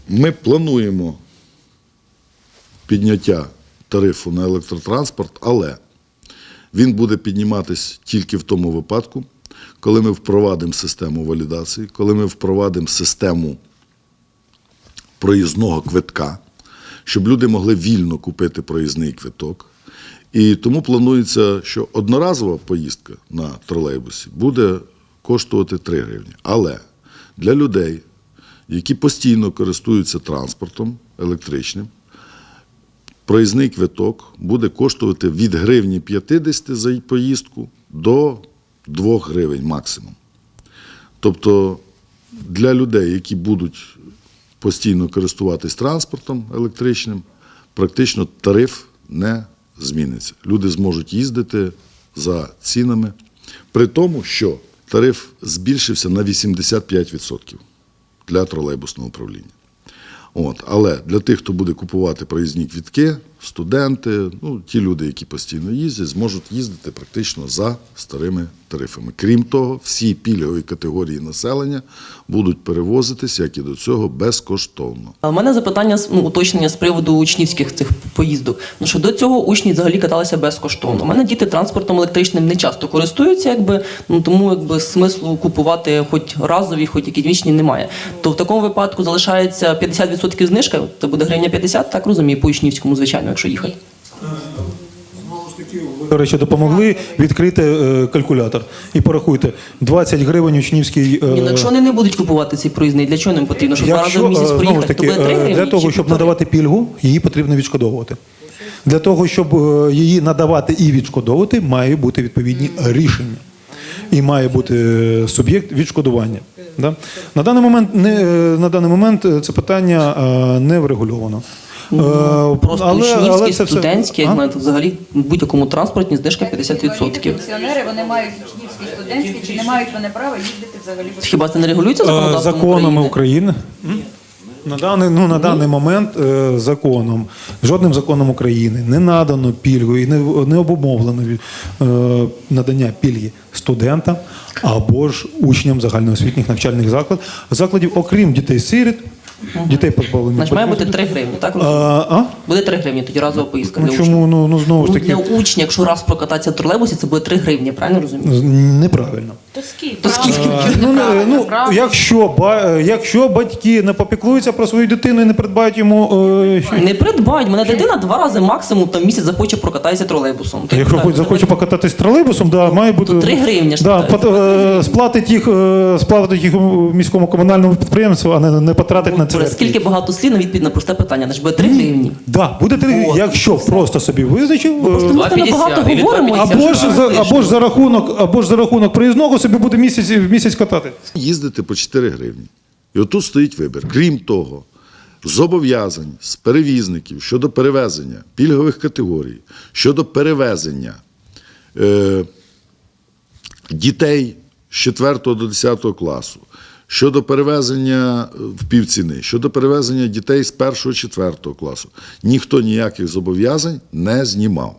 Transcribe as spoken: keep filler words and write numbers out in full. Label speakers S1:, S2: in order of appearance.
S1: Ми плануємо підняття тарифу на електротранспорт, але він буде підніматись тільки в тому випадку, коли ми впровадимо систему валідації, коли ми впровадимо систему проїзного квитка, щоб люди могли вільно купити проїзний квиток. І тому планується, що одноразова поїздка на тролейбусі буде коштувати три гривні. Але для людей, які постійно користуються транспортом електричним, проїзний квиток буде коштувати від гривні п'ятдесят за поїздку до двох гривень максимум. Тобто для людей, які будуть постійно користуватись транспортом електричним, практично тариф не зміниться. Люди зможуть їздити за цінами, при тому, що тариф збільшився на вісімдесят п'ять відсотків для тролейбусного управління. От. Але для тих, хто буде купувати проїзні квитки, студенти, ну, ті люди, які постійно їздять, зможуть їздити практично за старими тарифами. Крім того, всі пільгові категорії населення будуть перевозитись, як і до цього, безкоштовно.
S2: У мене запитання, ну, уточнення з приводу учнівських цих поїздок. Ну, що до цього учні взагалі каталися безкоштовно. У мене діти транспортом електричним не часто користуються, якби, ну, тому якби, смислу купувати хоч разові, хоч якісь вічні немає. То в такому випадку залишається п'ятдесят відсотків знижка, це буде гривня п'ятдесят, так розумію, по учнівському, звичайно, якщо їхати.
S3: До речі, допомогли відкрити е, калькулятор і порахуйте, двадцять гривень учнівський... Е,
S2: Ні, ну, якщо вони не будуть купувати цей проїзний, для чого їм потрібно? Щоб два рази в місяць
S3: знову ж
S2: проїхати,
S3: таки,
S2: то буде три гривні?
S3: для того,
S2: чи
S3: щоб
S2: півтори?
S3: надавати пільгу, її потрібно відшкодовувати. Для того, щоб е, її надавати і відшкодовувати, має бути відповідні рішення. І має бути суб'єкт відшкодування. Да? На даний момент, не, на даний момент це питання е, не врегульовано.
S2: Ну, просто
S3: але,
S2: учнівські,
S3: але це
S2: студентські,
S3: все...
S2: як знаєте, взагалі в будь-якому транспорті знижка п'ятдесят відсотків.
S4: Пенсіонери, вони мають учнівські, студентські, чи не мають вони права їздити взагалі без...
S2: Хіба це не регулюється законодавством
S3: законами
S2: України?
S3: України? На даний, ну, на даний момент е, законом, жодним законом України не надано пільгу і не, не обумовлено е, надання пільги студентам або ж учням загальноосвітніх навчальних закладів, закладів, окрім дітей-сиріт, дітей позбавлених.
S2: Значить, має бути три гривні, так?
S3: А, а?
S2: Буде три гривні, тоді разова поїздка
S3: Ну,
S2: для
S3: чому?
S2: учнів.
S3: Ну, ну, знову ж
S2: Ну,
S3: таки,
S2: для учня, якщо раз прокататися в тролейбусі, це буде три гривні, правильно розумію?
S3: неправильно.
S4: То скільки?
S2: То скільки?
S3: Ну, не- ну, якщо, ба- якщо батьки не попіклуються про свою дитину і не придбають йому... е, що-
S2: Не придбають. Мене дитина два рази максимум там місяць захоче прокататися тролейбусом.
S3: Та якщо хоч захоче покататись тролейбусом, да, має бути...
S2: То три гривні ж
S3: Да,
S2: питають.
S3: пот- е, сплатить їх, е, сплатить їх у міському комунальному підприємству, а не, не потратить на це.
S2: Добре, скільки багато слів на відповідь на просте питання, значить буде три гривні.
S3: Да, буде три,
S2: От,
S3: якщо просто собі визначив,
S2: Просто
S3: е,
S2: ми з тобою багато
S5: і від
S2: говоримо.
S3: або ж, за, або, ж за рахунок, або ж за рахунок проїзного собі буде місяць, місяць катати.
S1: Їздити по чотири гривні. І отут стоїть вибір. Крім того, зобов'язань з перевізників щодо перевезення пільгових категорій, щодо перевезення е, дітей з четвертого до десятого класу, щодо перевезення в півціни, щодо перевезення дітей з першого четвертого класу. Ніхто ніяких зобов'язань не знімав.